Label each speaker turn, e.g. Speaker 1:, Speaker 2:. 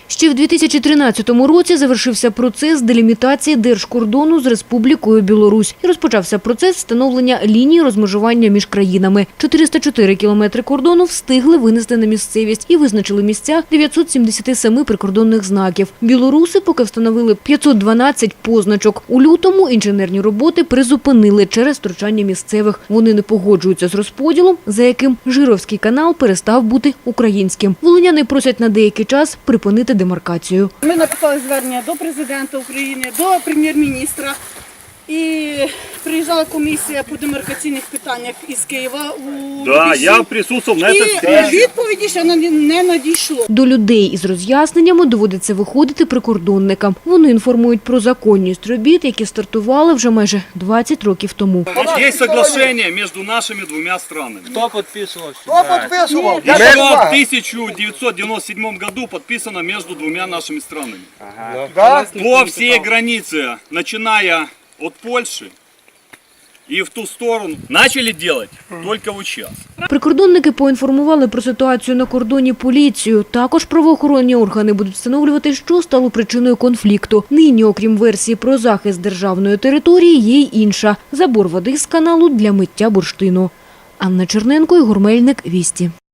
Speaker 1: Ще в 2013 році завершився процес делімітації держкордону з Республікою Білорусь і розпочався процес встановлення лінії розмежування між країнами. 404 кілометри кордону встигли винести на місцевість і визначили місця 977 прикордонних знаків. Білоруси поки встановили 512 позначок. У лютому інженерні роботи призупинили через втручання місцевих. Вони не погоджуються з розподілом, за яким Жировський канал перестав бути українським. Волиняни просять на деякий час припинити демаркацію.
Speaker 2: Ми написали звернення до президента України, до прем'єр-міністра. І приїжджала комісія по демаркаційних питаннях із Києва.
Speaker 3: Так, я присутствував на цій зустрічі.
Speaker 2: І відповіді ще не надійшло.
Speaker 1: До людей із роз'ясненнями доводиться виходити прикордонникам. Вони інформують про законність робіт, які стартували вже майже 20 років тому.
Speaker 3: Є соглашення між нашими двома странами.
Speaker 4: Кто подписывал?
Speaker 5: Кто подписывал?
Speaker 3: Еще в 1997 году подписано между двумя нашими странами.
Speaker 5: Да?
Speaker 3: По всей границе, начиная от Польши и в ту сторону, начали делать только вот сейчас.
Speaker 1: Прикордонники поінформували про ситуацію на кордоні поліцію. Також правоохоронні органи будуть встановлювати, що стало причиною конфлікту. Нині, окрім версії про захист державної території, є й інша – забор води з каналу для миття бурштину. Анна Черненко, Ігор Мельник, Вісті.